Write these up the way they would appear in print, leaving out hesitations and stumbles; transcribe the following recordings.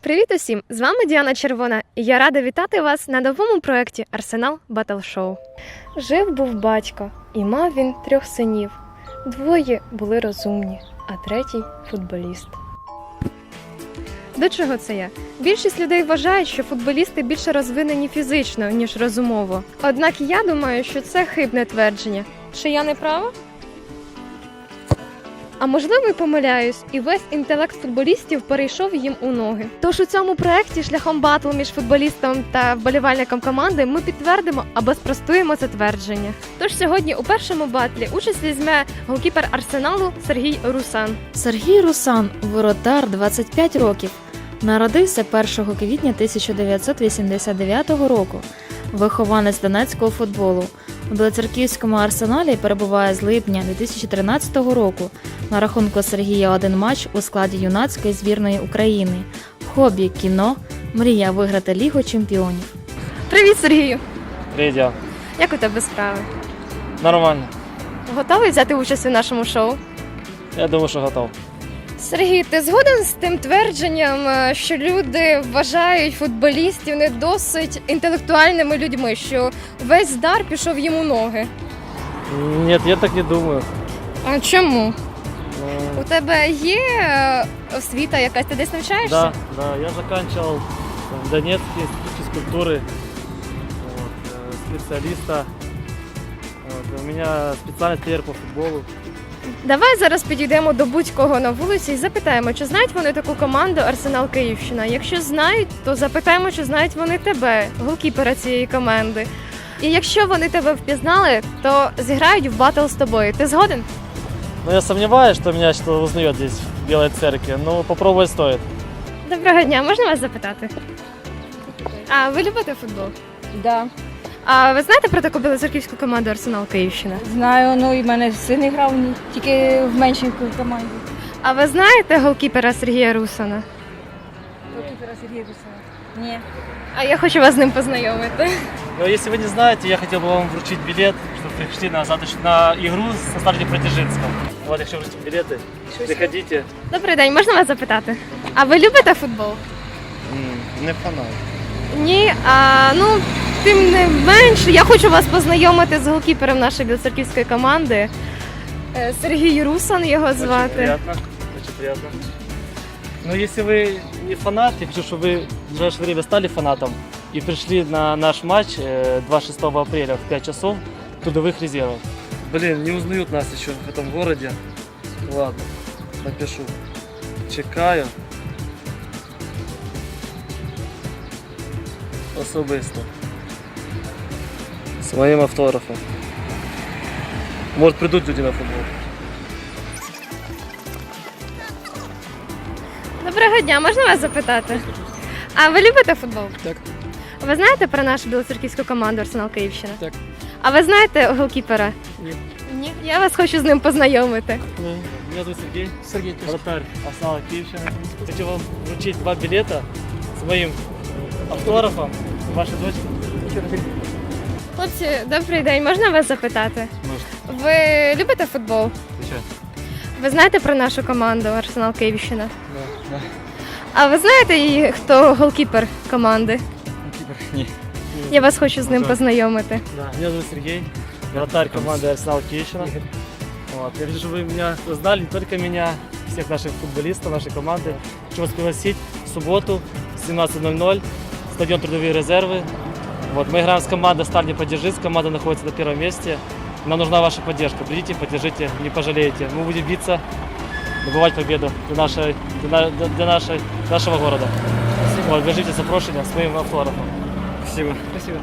Привіт усім! З вами Діана Червона, і я рада вітати вас на новому проєкті Арсенал Батл Шоу. Жив-був батько, і мав він 3 синів. 2 були розумні, а 3 – футболіст. До чого це я? Більшість людей вважають, що футболісти більше розвинені фізично, ніж розумово. Однак я думаю, що це хибне твердження. Чи я не права? А можливо, і помиляюсь, і весь інтелект футболістів перейшов їм у ноги. Тож у цьому проєкті шляхом батлу між футболістом та вболівальником команди ми підтвердимо або спростуємо це твердження. Тож сьогодні у першому батлі участь візьме голкіпер Арсеналу Сергій Русан. Сергій Русан – воротар, 25 років. Народився 1 квітня 1989 року. Вихованець донецького футболу. У Білоцерківському Арсеналі перебуває з липня 2013 року. На рахунку Сергія 1 матч у складі юнацької збірної України. Хобі – кіно, мрія виграти Лігу чемпіонів. Привіт, Сергію! Привіт. Як у тебе справи? Нормально. Готовий взяти участь у нашому шоу? Я думаю, що готов. Сергій, ти згоден з тим твердженням, що люди вважають футболістів не досить інтелектуальними людьми, що весь дар пішов їм у ноги? Ні, я так не думаю. А чому? Ну, У тебе є освіта якась, ти десь навчаєшся? да, я заканчивал в Донецке институт физкультуры, специалиста. У меня специальность тренер по футболу. Давай зараз підійдемо до будь-кого на вулиці і запитаємо, чи знають вони таку команду Арсенал Київщина. Якщо знають, то запитаємо, чи знають вони тебе, голкіпера цієї команди. І якщо вони тебе впізнали, то зіграють в батл з тобою. Ти згоден? Но я сомневаюсь, что меня что-то узнает здесь, в Белой Церкви, но попробовать стоит. Доброго дня, можна вас запитати? А ви любите футбол? Да, А ви знаєте про таку білоцерківську команду Арсенал Київщина? знаю, ну і в мене син грав тільки в меншій команді. А ви знаєте голкіпера Сергія Русана? Ні. А я хочу вас з ним познайомити. Но если вы не знаете, я хотел бы вам вручить билет, чтобы вы пришли на игру со стартом Протяжинском. Вот, если вручить билеты, приходите. Добрий день, можна вас запитати? А ви любите футбол? Не фанат. Ні, тим не менш, я хочу вас познайомити з голкіпером нашої білоцерківської команди. Сергій Русан його Очень звати. приятно, очень приятно. Но если вы не фанат, я хочу, чтобы вы в ближайшее время стали фанатом и пришли на наш матч 26 апреля в 5 часов трудовых резервов. Блин, не узнают нас еще в этом городе. Ладно, напишу. Чекаю. Особисто. С моим автографом. Может, придут люди на футбол. Доброго дня, можна вас запитати? А ви любите футбол? Так. Ви знаєте про нашу білоцерківську команду Арсенал Київщина? Так. А ви знаєте голкіпера? Ні. Ні? Я вас хочу з ним познайомити. Меня зовут Сергей. Сергій, Вратарь Арсенала Киевщина. Хочу вам вручить 2 билета с моим автографом. Вашей дочки. Хлопці, добрий день, можна вас запитати? Можна. Ви любите футбол? Звичайно. Ви знаєте про нашу команду Арсенал Київщина? Да. А ви знаєте, хто голкіпер команди? Ні. Я вас хочу з ним Ага. познайомити. Да. Меня зовут Сергей. Вратарь команды Арсенал Киевщина. Вот. Я вижу, что вы меня знали, не только меня, всех наших футболистов, нашей команды. Хочу вас пригласить в субботу в 17:00, стадион Трудовые резервы. Вот. Мы играем с командой «Сталь не поддержись», команда находится на 1-м месте. Нам нужна ваша поддержка. Придите, поддержите, не пожалеете. Мы будем биться, добывать победу для нашего города. Вот, держите запрошение с моим автографом. Спасибо. Спасибо.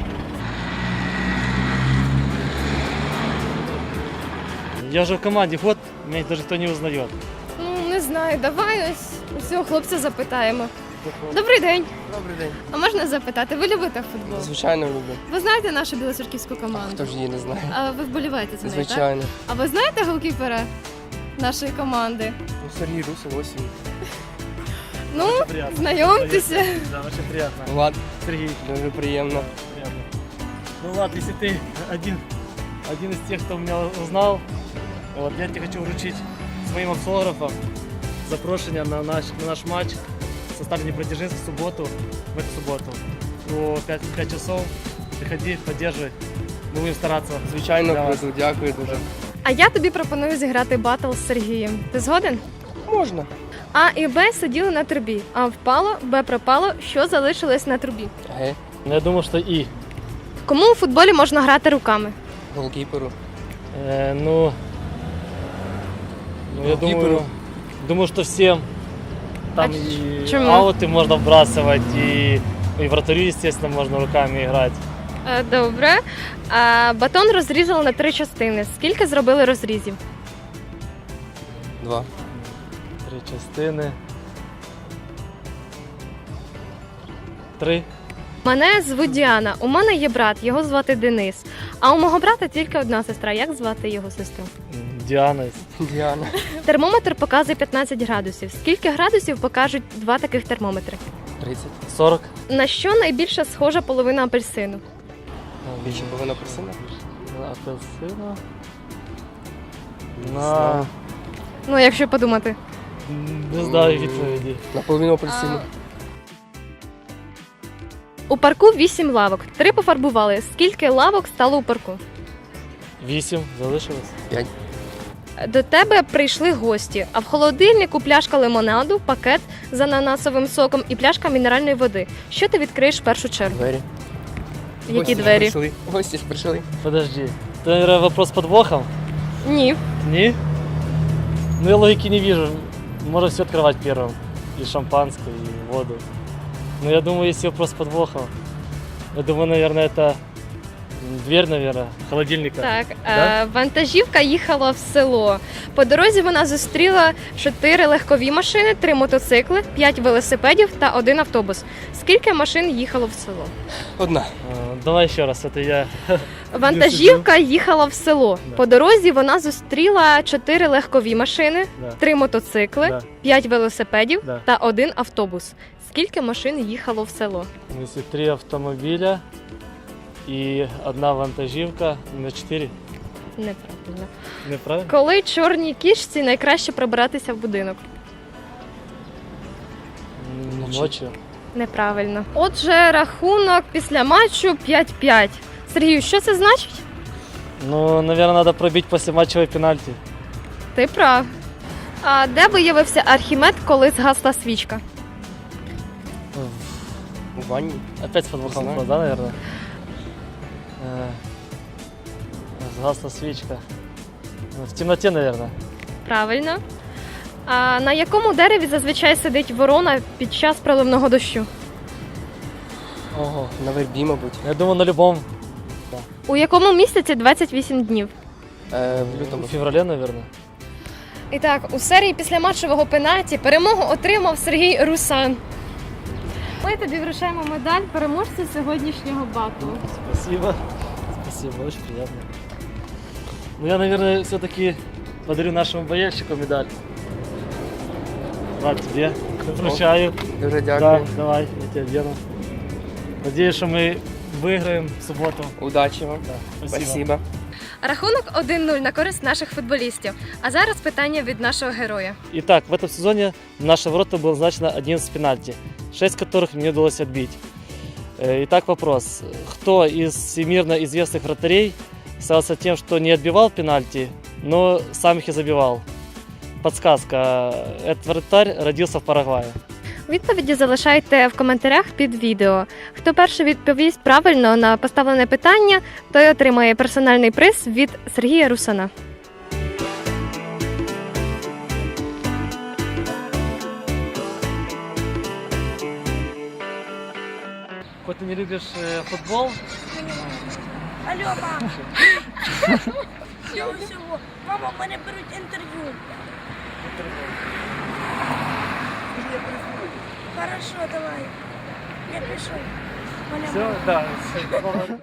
Я уже в команде год, меня даже никто не узнает. Ну, не знаю, давай ось цього хлопця запитаємо. Добрий день. Добрий день. А можна запитати, ви любите футбол? Звичайно, люблю. Ви знаєте нашу білоцерківську команду? Хто ж її не знає? А ви вболіваєте за неї, так? Звичайно. А ви знаєте голкіпера нашої команди? Ну, Сергій Русин, ось він. Ну, Очень приятно. знайомтеся. Да, очень приятно. Влад, Сергей, дуже приємно. приятно. Ну ладно, если ты один из тех, кто меня узнал, вот, я тебе хочу вручить с моим автографом запрошение на наш матч со стали Днепродзержинск в субботу, в эту субботу. О 5 часов. Приходи, поддерживай. Мы будем стараться. Звичайно, Давай. круто, дякую дуже. А я тобі пропоную зіграти батл з Сергієм. Ти згоден? Можна. А і Б сиділи на трубі. А впало, Б пропало, що залишилось на трубі. Ге, Но я думаю, что и. Кому у футболі можна грати руками? голкіперу. Ну, я Голкиперу. думаю, что всем. Там А и чему? ауты можно вбрасывать, и вратарю, естественно, можно руками играть. Добре. А батон розрізали на 3 частини. Скільки зробили розрізів? 2. 3 частини. 3. Мене звуть Діана. У мене є брат, його звати Денис. А у мого брата тільки одна сестра. Як звати його сестру? Діана. Діана. Термометр показує 15 градусів. Скільки градусів покажуть 2 таких термометри? 30. 40. На що найбільше схожа половина апельсину? Більше половина апельсина. На апельсина. знаю. Ну, якщо подумати. Не знаю відповіді. На половину апельсину. У парку 8 лавок. 3 пофарбували. Скільки лавок стало у парку? 8 залишилось. 5. До тебе прийшли гості, а в холодильнику пляшка лимонаду, пакет з ананасовим соком і пляшка мінеральної води. Що ти відкриєш в першу чергу? Двері. Які Гості ж двері? прийшли. Гості ж прийшли. Подожди. Это, наверное, вопрос с подвохом? Ні. Не? Ну я логики не вижу. Можно все открывать первым. И шампанское, и воду. Но я думаю, если вопрос с подвохом, я думаю, наверное, это дверь, наверное, холодильника. Так, Да? вантажівка їхала в село. По дорозі вона зустріла 4 легкові машини, 3 мотоцикли, 5 велосипедів та 1 автобус. Скільки машин їхало в село? 1. Давай еще раз, это я... Вантажівка їхала в село. Да. По дорозі вона зустріла 4 легкові машини, Да. 3 мотоцикли, Да. 5 велосипедів Да. та 1 автобус. Скільки машин їхало в село? Если 3 автомобиля и 1 вантажівка, на 4. Неправильно. Неправильно? Коли чорній кішці найкраще пробиратися в будинок? Ночью. Неправильно. Отже, рахунок після матчу 5-5. Сергію, що це значить? Ну, наверное, надо пробить после матчевой пенальти. Ти прав. А де виявився Архімед, коли згасла свічка? У ванні. Опять с подвохом, Знаю. да, наверное? Сгасла свечка. В темноте, наверное. Правильно. А на якому дереві зазвичай сидить ворона під час проливного дощу? Ого. На вербі, мабуть. Я думаю, на любом. У якому місяці 28 днів? В лютому. В феврале, наверное. І так, у серії післяматчевого пенальті перемогу отримав Сергій Русан. Ми тобі вручаємо медаль переможця сьогоднішнього батлу. Спасибо. Спасибо, очень приятно. Ну, я, наверное, все-таки подарю нашему болельщику медаль. Влад, тебе вручаю. Дуже Да, дякую. давай, я тебе верну. Надеюсь, что мы выиграем в субботу. Удачі вам. Да, Спасибо. Рахунок 1-0 на користь наших футболістів. А зараз питання від нашого героя. Итак, в этом сезоне в наши ворота было назначено 11 пенальти, 6 которых мне удалось отбить. Итак, вопрос. Кто из всемирно известных вратарей славился тем, что не отбивал пенальти, но сам их и забивал? Подсказка. Этот вратарь родился в Парагвае. Відповіді залишайте в коментарях під відео. Хто перший відповість правильно на поставлене питання, той отримає персональний приз від Сергія Русана. Хоть ты не любишь футбол, Алло, мама. Всього всього. Мама, в мене беруть інтерв'ю. Хорошо, давай. Я пішов. Мене все, да,